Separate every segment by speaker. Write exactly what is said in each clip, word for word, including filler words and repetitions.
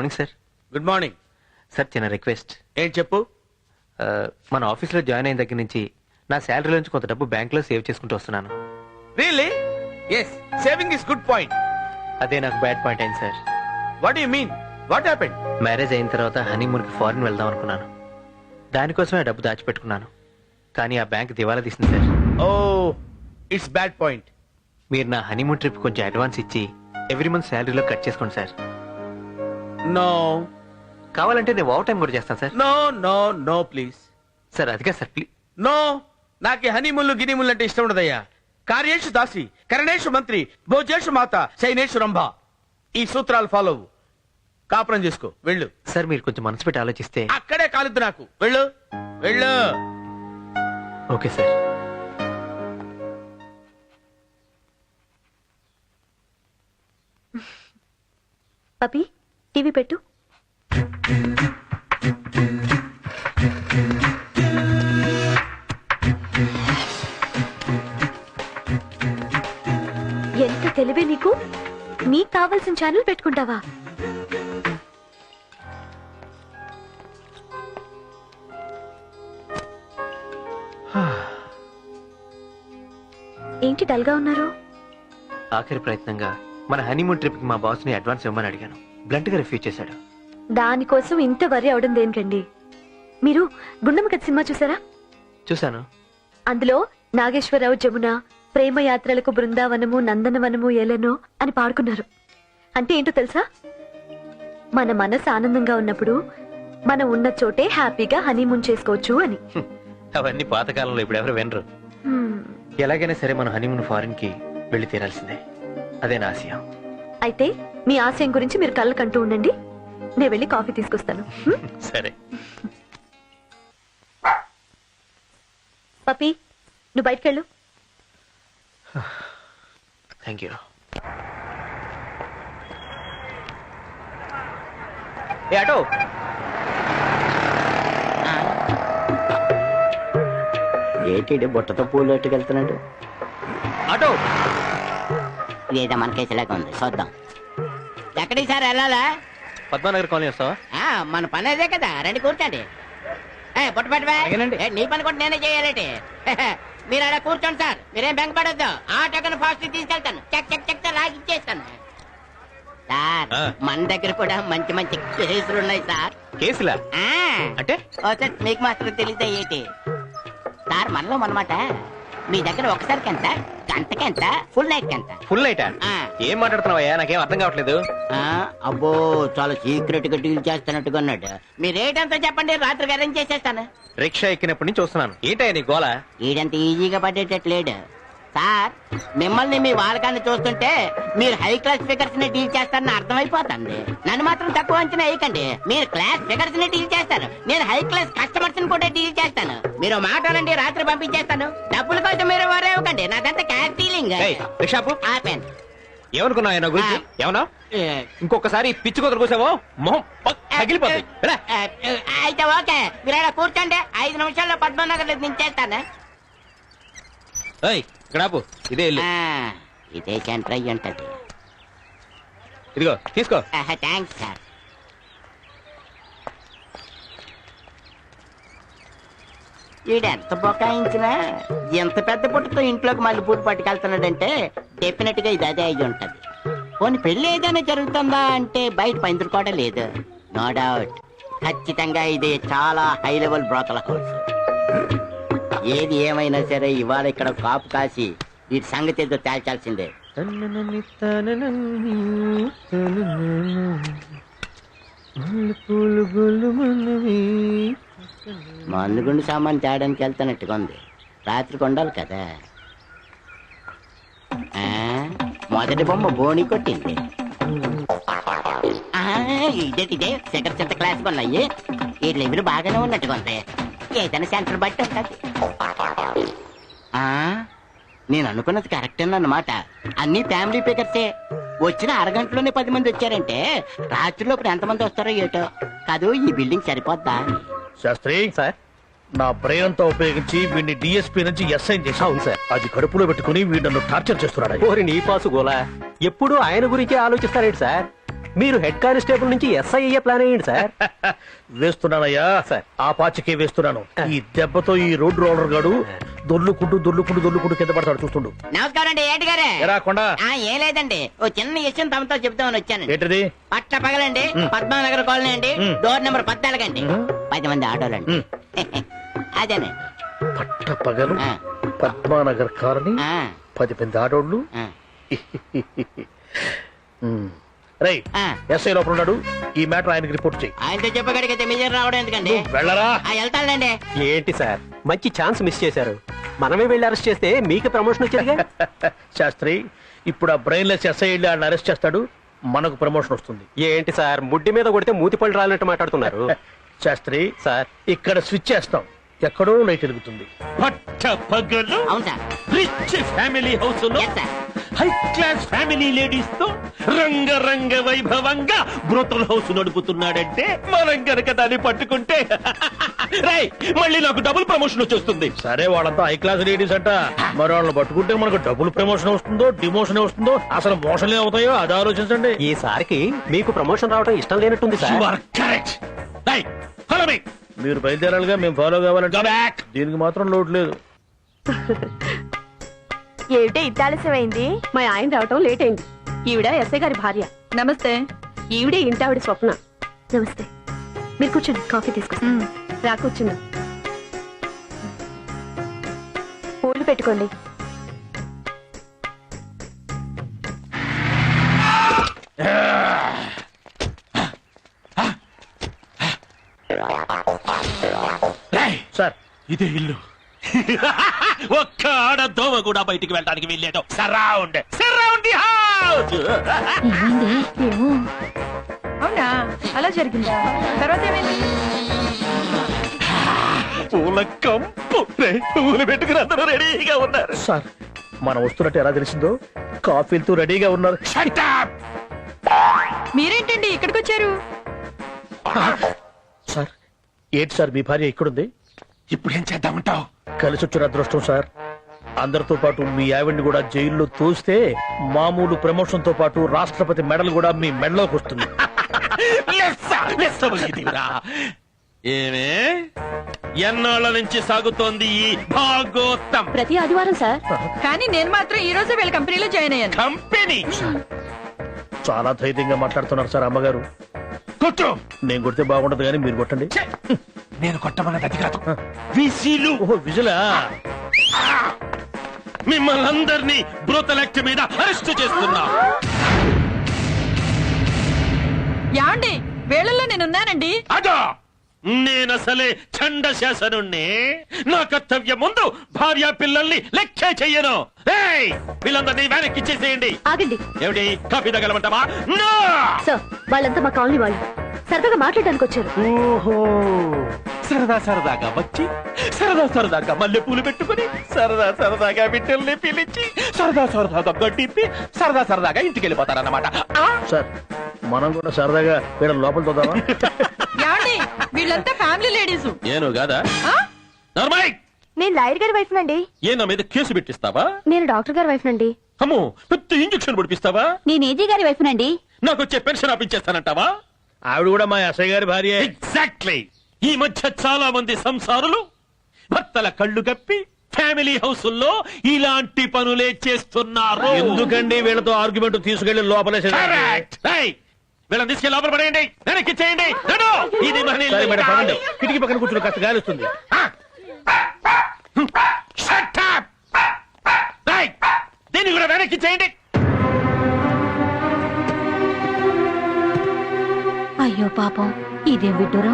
Speaker 1: Morning sir.
Speaker 2: Good morning
Speaker 1: sir, చిన్న request.
Speaker 2: ఏం చెప్పు.
Speaker 1: మన ఆఫీస్లో జాయిన్ అయిన దగ్గర నుంచి నా శాలరీ నుంచి కొంత డబ్బు బ్యాంక్లో సేవ్ చేసుకుంటూ వస్తున్నాను.
Speaker 2: Really? Yes, saving is good point.
Speaker 1: అదే నాకు బ్యాడ్ పాయింట్ అయింది sir.
Speaker 2: What you mean? What happened?
Speaker 1: Marriage అయిన తర్వాత హనీమూన్కి ఫారిన్ వెళ్దాం అనుకున్నాను. దానికోసమే డబ్బు దాచిపెట్టుకున్నాను. కానీ ఆ బ్యాంక్ దివాలా తీసింది సార్.
Speaker 2: ఓ, ఇట్స్ బ్యాడ్ పాయింట్.
Speaker 1: మీరు నా హనీమూన్ ట్రిప్ కొంచెం అడ్వాన్స్ ఇచ్చి ఎవ్రీ మంత్ శాలరీలో కట్ చేసుకోండి సార్.
Speaker 2: నో.
Speaker 1: కావాలంటే నేను ఓవర్ టైం కూడా చేస్తాను sir.
Speaker 2: No no no please.
Speaker 1: Sir అదిగా సార్, ప్లీజ్.
Speaker 2: నో, నాకు హనీముళ్ళు గినిముళ్ళు అంటే ఇష్టం ఉండదయ్యా. కార్యేషు దాసి, కరణేషు మంత్రి, భోజేషు మాత, శైనేషు రంభ. ఈ సూత్రాలు ఫాలో అవ్వు. కాపురం చేసుకో, వెళ్ళు.
Speaker 1: సార్ మీరు కొంచెం మనసు పెట్టి ఆలోచిస్తే.
Speaker 2: అక్కడే కాలుద్దు నాకు. వెళ్ళు వెళ్ళు.
Speaker 1: Okay sir.
Speaker 3: పపి, టీవీ పెట్టు. ఎంత తెలివే నీకు. నీకు కావాల్సిన ఛానల్ పెట్టుకుంటావా? ఏంటి డల్గా ఉన్నారు?
Speaker 1: ఆఖరి ప్రయత్నంగా మన హనీమూన్ ట్రిప్ కి మా బాస్ ని అడ్వాన్స్ ఇవ్వమని అడిగాను. బ్లంట్ గా రిఫ్యూజ్ చేశాడు.
Speaker 3: దానికోసం ఇంత వరి అవడం దేనికండి? మీరు గుండమ్మ కథ సినిమా చూసారా?
Speaker 1: చూశాను.
Speaker 3: అందులో నాగేశ్వరరావు జమున ప్రేమ యాత్రలకు బృందావనము నందనవనము ఏలెనో అని పాడుకున్నారు. అంటే ఏంటో తెలుసా? మన మనసు ఆనందంగా ఉన్నప్పుడు మనం ఉన్న చోటే హ్యాపీగా హనీమూన్ చేసుకోవచ్చు అని.
Speaker 1: అవన్నీ పాతకాలంలో ఇప్పుడు ఎవరు వినరు. ఎలాగైనా సరే మన హనీమూన్ ఫారిన్ కి వెళ్లి తీరాల్సిందే. అదే నా ఆశయం.
Speaker 3: అయితే మీ ఆశయం గురించి మీరు కళ్ళ కంటూ ఉండండి. నేను వెళ్ళి కాఫీ తీసుకొస్తాను.
Speaker 1: సరే.
Speaker 3: పపి, నువ్వు బయటకెళ్ళు.
Speaker 1: Thank you. ఏ ఆటో,
Speaker 4: ఏంటి బుట్టతో పూలు ఎట్టుకెళ్తున్నాడు?
Speaker 1: ఆటో.
Speaker 4: ఇదేదో మన కేసులాగా ఉంది, చూద్దాం. ఎక్కడికి సార్ వెళ్ళాలా?
Speaker 1: పద్మానగర్ కాలనీ వస్తావా?
Speaker 4: మన పని అదే కదా, రండి కూర్చోండి. బుట్ట పెట్టవా? నీ పని కూడా నేనే చేయాలంటే. మీరు అలా కూర్చోండి సార్, మీరేం బెంగ పడొద్దు. ఆటోకను ఫాస్ట్ తీసుకెళ్తాను, చెక్ చెక్ చెక్ లాగి ఇచ్చేస్తాను. సార్ మన దగ్గర కూడా మంచి మంచి కేసులు ఉన్నాయి సార్.
Speaker 1: కేసులా? అంటే
Speaker 4: మీకు మాత్రం తెలియదా ఏంటి సార్? మనలో మనమాట. మీ దగ్గర ఒకసారికి ఎంత, గంటకి ఎంత, ఫుల్ నైట్ ఎంత?
Speaker 1: Full night? ఏం మాట్లాడుతున్నావయ్యా, నాకేం అర్థం కావట్లేదు.
Speaker 4: అబ్బో, చాలా సీక్రెట్ గా డీల్ చేస్తున్నట్టుగా ఉన్నాడు. మీ రేట్ ఎంతో చెప్పండి, రాత్రికి అరేంజ్ చేసేస్తాను.
Speaker 1: రిక్షా ఎక్కినప్పటి నుంచి చూస్తున్నాను. ఏంటయ్యా నీ గోల?
Speaker 4: ఈడంత ఈజీగా పడేటట్లేడు సార్. మిమ్మల్ని మీ వాళ్ళకాన్ని చూస్తుంటే మీరు హై క్లాస్ ఫిగర్స్ ని డీల్ చేస్తారని అర్థమైపోతుంది. నన్ను మాత్రం తక్కువ అంచనా వేయకండి. మీరు క్లాస్ ఫిగర్స్ ని డీల్ చేస్తారు, నేను హై క్లాస్ కస్టమర్స్ ని కూడా డీల్ చేస్తాను. మీరు మాట్లాడండి, రాత్రి పంపించేస్తాను. డబ్బుల కోసం మీరు వరే ఇవ్వకండి, నాకంతా క్యాష్ డీలింగ్. ఆపాను.
Speaker 1: ఏమనుకున్నావు నా గురించి? ఏమన్నా ఇంకొకసారి పిచ్చి కుదరు కూసావో మొహం తగిలిపోతుంది.
Speaker 4: అయితే ఓకే, మీరు అలా కూర్చోండి. ఐదు నిమిషాల్లో పద్మనగర్ దించేస్తాను.
Speaker 1: ఇక్కడ ఆపు. ఇదే ఇల్లు.
Speaker 4: ఇదే సెంటర్ అయ్యి ఉంటది.
Speaker 1: ఇదిగో తీసుకో.
Speaker 4: Thanks sir. ఈడెంత బొకాయించినా ఎంత పెద్ద పుట్టతో ఇంట్లోకి మళ్ళీ పూలు పట్టుకెళ్తున్నాడంటే డెఫినెట్ గా ఇది అదే అయ్యి ఉంటది. పోనీ పెళ్లి ఏదైనా జరుగుతుందా అంటే బయట పందిరి కూడా లేదు. నో డౌట్, ఖచ్చితంగా ఇది చాలా హై లెవెల్ బ్రోకల్ హౌస్. ఏది ఏమైనా సరే ఇవాళ ఇక్కడ కాపు కాసి వీటి సంగతి ఏదో తేల్చాల్సిందే. మందుగుండు సామాన్ తేడానికి వెళ్తానట్టుగా ఉంది. రాత్రికి ఉండాలి కదా. మొదటి బొమ్మ బోణి కొట్టింది. ఇదేటిదే సెకండ్ సెంటర్ క్లాస్ ఉన్నాయి. ఈ లెవెల్ బాగానే ఉన్నట్టుగా ఉంది. ఏదైనా సెంటర్ బట్టి ఉంటుంది. నేను అనుకున్నది కరెక్ట్ అన్నమాట. అన్ని ఫ్యామిలీ పికర్సే. వచ్చిన అరగంటలోనే పది మంది వచ్చారంటే రాత్రిలోపు ఎంతమంది వస్తారో ఏటో. కాదు, ఈ బిల్డింగ్ సరిపోద్దా?
Speaker 2: శాస్త్రి సార్, నా బ్రెయిన్ అంతా ఉపయోగించి వీడిని డిఎస్పీ నుంచి ఎస్ఐ చేశాను సార్. అది కడుపులో పెట్టుకుని వీడు నన్ను టార్చర్ చేస్తున్నాడు.
Speaker 1: ఓరి నీ పాసు గోలా, ఎప్పుడు ఆయన గురించి ఆలోచిస్తారేంటి సార్?
Speaker 5: మీరు హెడ్ కానిస్టేబుల్ నుంచి ఎస్ఐ అయ్యే ప్లాన్ అయ్యండి సార్.
Speaker 6: వేస్తున్నానయ్యా
Speaker 5: సార్.
Speaker 6: ఆ పాచికే వేస్తున్నాను. ఈ దెబ్బతో ఈ రోడ్డు రోలర్ గాడు దొర్లుకుంటూ దొర్లుకుంటూ దొర్లుకుంటూ కింద పడతాడు చూస్తుండు.
Speaker 4: నమస్కారం అండి ఏంటి గారే
Speaker 6: ఎరా కొండ
Speaker 4: ఆ, ఏం లేదండి ఓ చిన్న విషయం తమతో చెప్తామని వచ్చానండి.
Speaker 6: ఏంటిది?
Speaker 4: పట్ల పగలండి పద్మానగర్ కాలనీ అండి డోర్ నెంబర్ పద్నాలుగు అండి పది మంది ఆటోలండి అదేనండి.
Speaker 6: పట్ట పగలు
Speaker 4: ఆ.
Speaker 6: పద్మానగర్ కాలనీ
Speaker 4: ఆ,
Speaker 6: పది మంది ఆడోళ్ళు.
Speaker 4: ఆ,
Speaker 6: రై
Speaker 4: ఆ.
Speaker 6: ఎస్ఐ లోపల ఉన్నాడు. ఈ మ్యాటర్ ఆయనకి రిపోర్ట్ చేయి.
Speaker 4: ఆయనతో చెప్పగడిగితే మీరు రావడం ఎందుకండి?
Speaker 6: వెళ్ళరా.
Speaker 4: ఆ, వెళ్తానండి.
Speaker 5: ఏంటి సార్ మంచి ఛాన్స్ మిస్ చేశారు. మనమే వెళ్ళి అరెస్ట్ చేస్తే మీకు ప్రమోషన్ వచ్చేదిగా.
Speaker 6: శాస్త్రి ఇప్పుడు ఆ బ్రెయిన్లెస్ ఎస్ఐ వెళ్ళి ఆయన అరెస్ట్ చేస్తాడు, మనకు ప్రమోషన్ వస్తుంది.
Speaker 5: ఏంటి సార్ ముడ్డి మీద కొడితే మూతి పళ్ళు రాలినట్టు మాట్లాడుతున్నారు.
Speaker 6: శాస్త్రి
Speaker 5: సార్
Speaker 6: ఇక్కడ స్విచ్ చేస్తాం, ఎక్కడో లైట్ వెలుగుతుంది.
Speaker 2: పట్ట పగలు
Speaker 4: అవును సార్.
Speaker 2: రిచ్ ఫ్యామిలీ హౌస్ లో
Speaker 4: yes sir.
Speaker 2: High class family ladies తో రంగరంగ వైభవంగా బ్రోతల్ హౌస్ నడుపుతున్నాడంటే మనం గనక దాన్ని పట్టుకుంటే రై మళ్ళీ నాకు డబుల్ ప్రమోషన్ వచ్చేస్తుంది.
Speaker 6: సరే వాళ్ళంతా హై క్లాస్ లేడీస్ అంట, మరి వాళ్ళని పట్టుకుంటే మనకు డబుల్ ప్రమోషన్ వస్తుందో డిమోషన్ వస్తుందో అసలు మోషన్లే అవుతాయో అది ఆలోచించండి.
Speaker 5: ఈసారికి మీకు ప్రమోషన్ రావడం ఇష్టం లేనట్టుంది
Speaker 2: You
Speaker 5: sir.
Speaker 2: are correct. Hey, follow me.
Speaker 6: మీరు బయలుదేరాలిగా, మేము ఫాలో కావాలంటే
Speaker 2: Go back.
Speaker 6: దీనికి మాత్రం లోటు లేదు.
Speaker 7: ఏమిటే ఇంత ఆలస్యమైంది? మా ఆయన రావటం లేట్ అయింది. ఈవిడ ఎస్ఐ గారి భార్య. నమస్తే. ఈవిడే ఇంటావిడ స్వప్న.
Speaker 3: నమస్తే. మీరు కూర్చోండి, కాఫీ తీసుకొస్తాను.
Speaker 7: రా కూర్చుందా.
Speaker 3: పూలు పెట్టుకోండి.
Speaker 2: Hey,
Speaker 6: సార్
Speaker 2: ఇదే ఇల్లు. ఒక్క ఆడ దోమ కూడా బయటికి వెళ్ళడానికి వెళ్ళేదో. Surround surround the house.
Speaker 7: అవునా, అలా జరిగిందా? తర్వాత ఏమైంది?
Speaker 2: పూల కంపు. రేయ్, పూలు పెట్టుకుని అందరూ రెడీగా ఉన్నారు.
Speaker 6: సార్ మనం వస్తున్నట్టు ఎలా తెలిసిందో కాఫీలతో రెడీగా ఉన్నారు.
Speaker 2: Shut up.
Speaker 7: మీరేంటండి ఇక్కడికి వచ్చారు?
Speaker 6: సార్ ఏంటి సార్ మీ భార్య ఇక్కడుంది?
Speaker 2: ఇప్పుడు ఏం చేద్దామంటావు?
Speaker 6: కలిసి వచ్చిన అదృష్టం సార్. అందరితో పాటు మీ ఆవిడ్ని కూడా జైల్లో తోస్తే మామూలు ప్రమోషన్ తో పాటు రాష్ట్రపతి మెడల్ కూడా మీ మెడలోకి వస్తుంది.
Speaker 2: ఏమే ఎన్నాళ్ళ నుంచి సాగుతోంది ఈ భాగోత్తం
Speaker 3: ప్రతి ఆదివారం సార్.
Speaker 7: కానీ నేను మాత్రం ఈ రోజు వీళ్ళ కంపెనీలో జాయిన్ అయ్యాను.
Speaker 2: కంపెనీ?
Speaker 6: చాలా ధైర్యంగా మాట్లాడుతున్నారు సార్ అమ్మగారు.
Speaker 2: కొట్టు.
Speaker 6: నేను కొడితే బాగుండదు కానీ మీరు కొట్టండి.
Speaker 2: ఛే! నేను కొట్టమన్నది అది కాదు, విసిలు.
Speaker 6: ఓహో విజులా.
Speaker 2: మిమ్మల్ని అందరినీ బ్రోతల్ యాక్ట్ మీద అరెస్ట్ చేస్తున్నా.
Speaker 7: యాండి వేళల్లో నేనున్నానండి.
Speaker 2: అదా నేనసలే చండ శాసనుణ్ణి. నా కర్తవ్యం ముందు భార్య పిల్లల్ని లెక్కే చెయ్యను. ఏయ్, వీళ్ళందరినీ వెనక్కి ఇచ్చేసేయండి.
Speaker 3: ఆగండి
Speaker 2: ఏమిటి, కాఫీ తగలమంటావా? నో!
Speaker 3: సార్, వాళ్ళంతా మా కాలనీ వాళ్ళు. సరదాగా మాట్లాడడానికి వచ్చారు.
Speaker 2: ఓహో, సరదా సరదాగా వచ్చి సరదా సరదాగా మల్లె పూలు పెట్టుకుని సరదా సరదాగా బిడ్డల్ని పిలిచి సరదా సరదాగా గడ్డిప్పి సరదా సరదాగా ఇంటికి వెళ్ళిపోతారన్నమాట.
Speaker 6: సార్ మనం కూడా సరదాగా వీళ్ళ లోపల తోదామా?
Speaker 7: యాండి వీళ్ళంతా ఫ్యామిలీ లేడీస్.
Speaker 2: ఏను కాదా? నార్మల్.
Speaker 3: నేను లాయర్ గారి వైఫ్ నండి.
Speaker 2: ఏ నా మీద కేసు పెట్టిస్తావా?
Speaker 3: నేను డాక్టర్ గారి వైఫ్ నండి.
Speaker 2: అమ్మో, పెద్ద ఇంజక్షన్ పొడిపిస్తావా?
Speaker 3: నేను ఏజీ గారి వైఫ్ నండి.
Speaker 2: నాకు వచ్చే పెన్షన్ ఆపించేస్తానంటావా?
Speaker 6: ఆవిడ కూడా మా ఎస్ఐ గారి భార్య.
Speaker 2: ఎగ్జాక్ట్లీ. ఈ మధ్య చాలా మంది సంసారులు భర్తల కళ్ళు కప్పి ఫ్యామిలీ హౌసుల్లో ఇలాంటి పనులే చేస్తున్నారు.
Speaker 6: ఎందుకండి వీళ్ళతో ఆర్గ్యుమెంట్ తీసుకెళ్లి లోపలేసే?
Speaker 2: Correct. Hey, వీళ్ళని తీసుకెళ్ళి లోపల పడేయండి, వెనక్కి చేయండి. నడు. ఇది మన ఇల్లు.
Speaker 6: సరే మేడం పదండి. కిటికీ పక్కన కూర్చుని కాస్త గాలి వస్తుంది.
Speaker 2: Shut up. Hey, దీన్ని కూడా వెనక్కి చేయండి.
Speaker 3: అయ్యో పాపం, ఇదేం విడ్డూరం.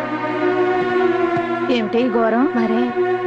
Speaker 7: ఏమిటి ఈ ఘోరం?
Speaker 3: మరే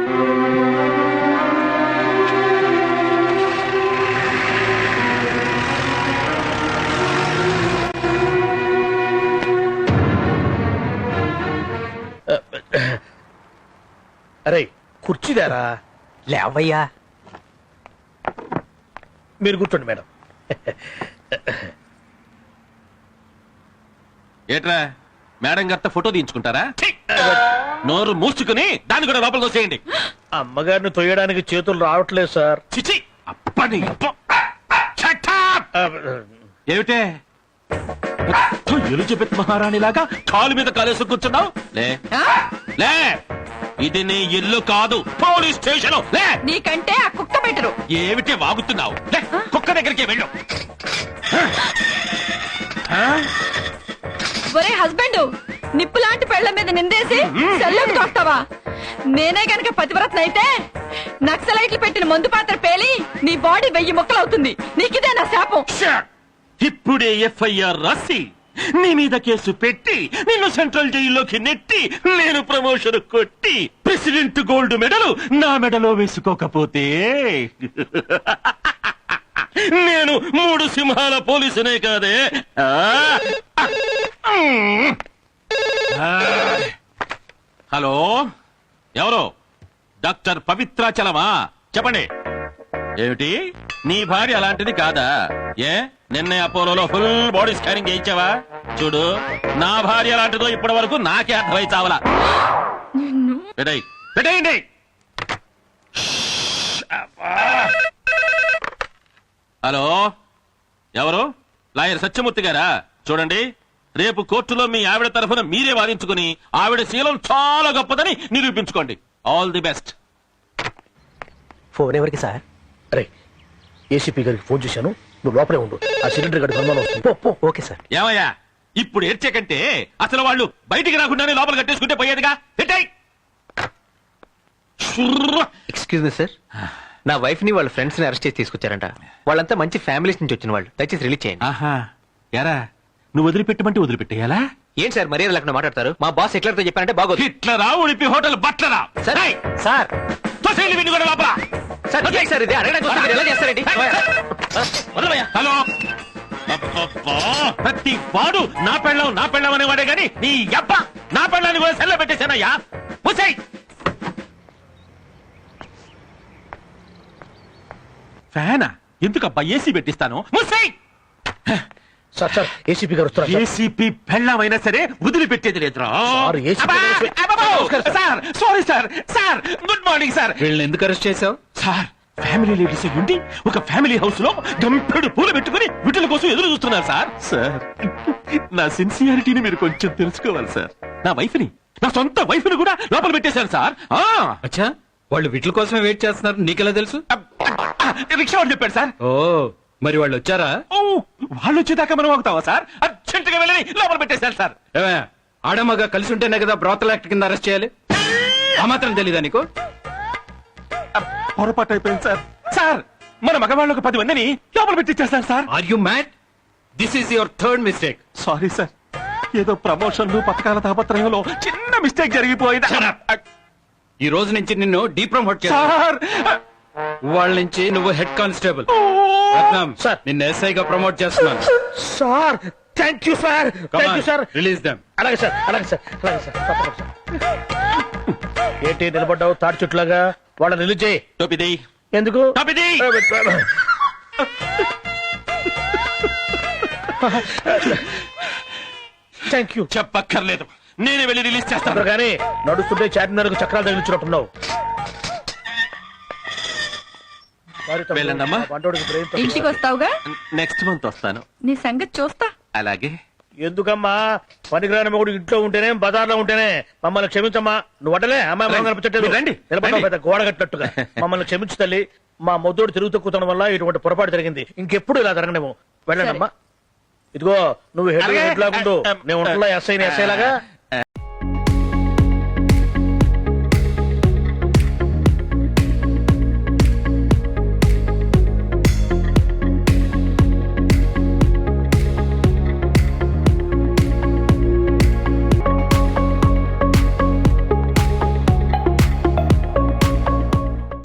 Speaker 6: అరే కుర్చీదారా?
Speaker 5: లేవయ్యా.
Speaker 6: మీరు కూర్చోండి మేడం.
Speaker 2: ఏట్రా, మేడం గారితో ఫోటో తీయించుకుంటారా? నోరు మూసుకుని దాన్ని కూడా లోపల తోసేయండి.
Speaker 6: అమ్మగారిని తొయ్యడానికి చేతులు రావట్లేదు సార్.
Speaker 2: చిచి, అప్పని అప్ప. Shut up.
Speaker 6: ఆ,
Speaker 2: ఏమిటే
Speaker 8: ఎలిజబెత్ మహారాణి లాగా కాలు మీద కాలేసి కూర్చున్నావు లే లే ఇది నీ ఇల్లు కాదు పోలీస్ స్టేషన్ లే
Speaker 7: నీకంటే ఆ కుక్క బెటరు.
Speaker 8: ఏమిటి వాగుతున్నావు లే కుక్క దగ్గరికి వెళ్ళు
Speaker 7: ఒరే హస్బెండ్, నిప్పు లాంటి పెళ్ల మీద నిందేసి సెల్లోకి తోస్తావా? నేనే గనక పతివ్రతన అయితే నక్సలైట్లు పెట్టిన మందు పాత్ర పేలి నీ బాడీ వెయ్యి ముక్కలవుతుంది. నీకిదే నా శాపం.
Speaker 8: ఇప్పుడే ఎఫ్ఐఆర్ రాసి నీ మీద కేసు పెట్టి నిన్ను సెంట్రల్ జైల్లోకి నెట్టి నేను ప్రమోషన్ కొట్టి ప్రెసిడెంట్ గోల్డ్ మెడల్ నా మెడలో వేసుకోకపోతే నేను మూడు సింహాల పోలీసునే కాదే. ఆ! హలో, ఎవరు? డాక్టర్ పవిత్రాచలమా? చెప్పండి. ఏమిటి, నీ భార్య అలాంటిది కాదా? ఏ నిన్నే అపోలోలో ఫుల్ బాడీ స్కానింగ్ చేయించావా? చూడు, నా భార్య అలాంటిదో ఇప్పటి వరకు నాకే అర్థమై చావలా. పెట్టేయ్, పెట్టేయండి. హలో, ఎవరు? లాయర్ సత్యమూర్తి గారా? చూడండి, రేపు కోర్టులో మీ ఆవిడ తరఫున మీరే వాదించుకుని ఆవిడ శీలం చాలా గొప్పదని నిరూపించుకోండి. All the best.
Speaker 5: ఫోన్ ఎవరికి సార్?
Speaker 6: అరే, ఏసీపీ గారికి ఫోన్ చేశాను, నువ్వు లోపలే ఉండు. ఆ సిలిండర్ గడి అనుమానం వస్తుంది. పో, పో.
Speaker 5: Okay sir.
Speaker 8: ఏమయ్యా, ఇప్పుడు ఏడ్చే కంటే అసలు వాళ్ళు బయటికి రాకుండానే లోపల కట్టేసుకుంటే పోయేదిగా. పెట్టేయ్.
Speaker 1: ఎక్స్క్యూజ్ మీ సార్, నా వైఫ్ ని వాళ్ళ ఫ్రెండ్స్ ని అరెస్ట్ చేసి తీసుకొచ్చారంట. వాళ్ళంతా మంచి ఫ్యామిలీస్ నుంచి వచ్చిన వాళ్ళు. దయచేసి రిలీజ్ చేయండి.
Speaker 8: ఆహా, ఎరా నువ్వు వదిలిపెట్టమంటే వదిలిపెట్టేయాలా?
Speaker 1: ఏంటి సార్ మర్యాద లేకుండా మాట్లాడతారు? మా బాస్ హిట్లర్తో చెప్పారంటే బాగోదు.
Speaker 8: హిట్లరా, ఉడిపి హోటల్ బట్లరా?
Speaker 1: సరే సార్,
Speaker 8: తోసేయండి వీడిని కూడా లోపల.
Speaker 1: సార్ ఇదే సార్, ఇది అడగడానికి వస్తే మీరు ఎలా చేస్తారండి?
Speaker 8: వదలవయ్యా. హలో, అబ్బబ్బా, ప్రతి వాడు నా పెళ్ళం నా పెళ్ళం అనేవాడే గాని నీ అబ్బ నా పెళ్ళాన్ని కూడా సెల్ల పెట్టేశానయ్యా. ముసేయ్. ఫ్యానా? ఎందుకబ్బా ఏసీ పెట్టిస్తాను? ముసేయ్.
Speaker 6: సార్ సార్ ఏసీపీ గారు వస్తున్నారు సార్.
Speaker 8: ఏసీపీ పెళ్ళమైనా సరే వదిలిపెట్టేది లేదురా.
Speaker 6: సార్, ఏసీపీ గారు వస్తున్నారు.
Speaker 8: Sir, sorry sir. Sir, good morning sir.
Speaker 9: వీళ్ళని ఎందుకు అరెస్ట్ చేశావు?
Speaker 8: సార్, ఫ్యామిలీ లేడీస్ ఉండి ఒక ఫ్యామిలీ హౌస్ లో గంపెడు పూలు పెట్టుకుని వీటిల కోసం ఎదురు చూస్తున్నారు సార్. సార్, నా సిన్సియారిటీని మీరు కొంచెం తెలుసుకోవాలి సార్. నా వైఫ్ ని, నా సొంత వైఫ్ ని కూడా లోపల పెట్టేశారు సార్. ఆ
Speaker 9: అచ్చా, వాళ్ళు వీటి కోసమే వెయిట్ చేస్తున్నారు, నీకెలా తెలుసు?
Speaker 8: రిక్షా వాడు చెప్పాడు సార్.
Speaker 9: ఓ, మరి వాళ్ళు వచ్చారా?
Speaker 8: ఓ, వాళ్ళు వచ్చేదాకా మనం ఆగుతావా సార్? అర్జెంట్ గా వెళ్ళని లోపల పెట్టేశారు సార్.
Speaker 9: ఏమే, ఆడమగా కలిసి ఉంటేనే కదా బ్రోతల్ యాక్ట్ కింద అరెస్ట్ చేయాలి. ఆ మాత్రం తెలీదా నీకు?
Speaker 8: పొరపాటు అయిపోయింది సార్. సార్, మన మగవాళ్ళకు పది మందిని లోపల పెట్టించేస్తారు sir.
Speaker 9: Are you mad? This is your third mistake.
Speaker 8: Sorry sir, ఏదో ప్రమోషన్లు పథకాల తాపత్రయంలో చిన్న మిస్టేక్ జరిగిపోయింది.
Speaker 9: ఈ రోజు నుంచి నిన్ను డీప్రమోట్ చేస్తా.
Speaker 8: సార్,
Speaker 9: వాళ్ళ నుంచి నువ్వు హెడ్ కానిస్టేబుల్.
Speaker 6: సార్,
Speaker 9: నిన్ను ఎస్ఐగా ప్రమోట్ చేస్తున్నాను.
Speaker 6: Sir, thank you sir. Thank you sir.
Speaker 9: Release them.
Speaker 6: అలాగే సార్, అలాగే సార్, అలాగే సార్. తప్పకుండా సార్. ఏంటి నిలబడ్డావు తాడి చుట్లాగా? వాళ్ళని రిలీజ్ చేయి.
Speaker 8: టోపిది
Speaker 6: ఎందుకు?
Speaker 8: టోపిది.
Speaker 6: Thank you.
Speaker 8: చెప్పక్కర్లేదు, నేనే వెళ్ళి రిలీజ్ చేస్తాను.
Speaker 6: కానీ నడుస్తుంటే చార్మినార్కు చక్రాలు తగిలించినట్టున్నావు.
Speaker 8: వెళ్ళండమ్మా.
Speaker 7: ఇంటికి వస్తావుగా?
Speaker 8: నెక్స్ట్ మంత్ వస్తాను.
Speaker 7: నీ సంగతి చూస్తా.
Speaker 8: అలాగే.
Speaker 6: ఎందుకమ్మా పనికిరాని మొగుడు ఇంట్లో ఉంటేనే బజార్లో ఉంటేనే? మమ్మల్ని క్షమించమ్మా. నువ్వు అడలే అమ్మాయి మొహం కనిపించట్లేదు.
Speaker 8: రండి,
Speaker 6: నిలబడ్డావు
Speaker 8: రండి.
Speaker 6: పెద్ద గోడ కట్టినట్టుగా. మమ్మల్ని క్షమించు తల్లి. మా మొద్దోడు తిరుగు తక్కువతనం వల్ల ఇటువంటి పొరపాటు జరిగింది. ఇంకెప్పుడు ఇలా జరగనేమో. వెళ్ళండి అమ్మా. ఇదిగో, నువ్వు హెడ్
Speaker 8: అలాగే.
Speaker 6: హెడ్ లాగుండు. నేను ఉంటున్నా ఎస్ఐ ఎస్ఐ లాగా.